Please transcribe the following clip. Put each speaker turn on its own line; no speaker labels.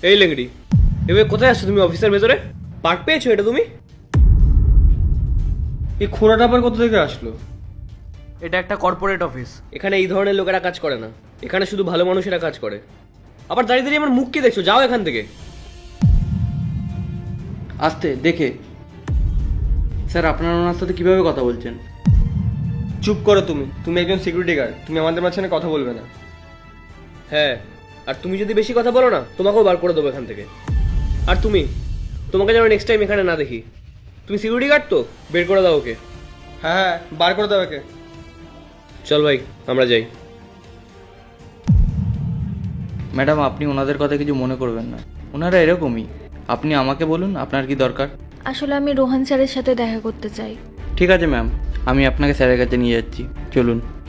এই লেংড়ি, এবার কোথায় আসছো তুমি? অফিসের ভেতরে পার্ক পেয়েছো এটা তুমি?
এই খোঁড়াটা আবার কোথা থেকে আসলো?
এটা একটা কর্পোরেট অফিস, এখানে এই ধরনের লোকেরা কাজ করে না, এখানে শুধু ভালো মানুষেরা কাজ করে। আবার দাঁড়িয়ে দাঁড়িয়ে আমার মুখ কি দেখছো? যাও এখান থেকে।
আস্তে দেখে। স্যার, আপনারা ওনার সাথে কিভাবে কথা বলছেন? চুপ করো তুমি। তুমি একজন সিকিউরিটি গার্ড, তুমি আমাদের মাঝখানে কথা বলবে না।
হ্যাঁ, আর তুমি যদি বেশি কথা বলো না তোমাকেও বার করে দেবো এখান থেকে। আর তোমাকে যেন নেক্সট টাইম এখানে না দেখি। তুমি সিকিউরিটি গার্ড তো, বের করে দাও ওকে।
হ্যাঁ হ্যাঁ, বার করে দাও একে।
চল ভাই, আমরা যাই।
ম্যাডাম, আপনি ওনাদের কথা কিছু মনে করবেন না, ওনারা এরকমই। আপনি আমাকে বলুন আপনার কি দরকার।
আসলে আমি রোহন স্যারের সাথে দেখা করতে চাই।
ঠিক আছে ম্যাম, আমি আপনাকে স্যারের কাছে নিয়ে যাচ্ছি, চলুন।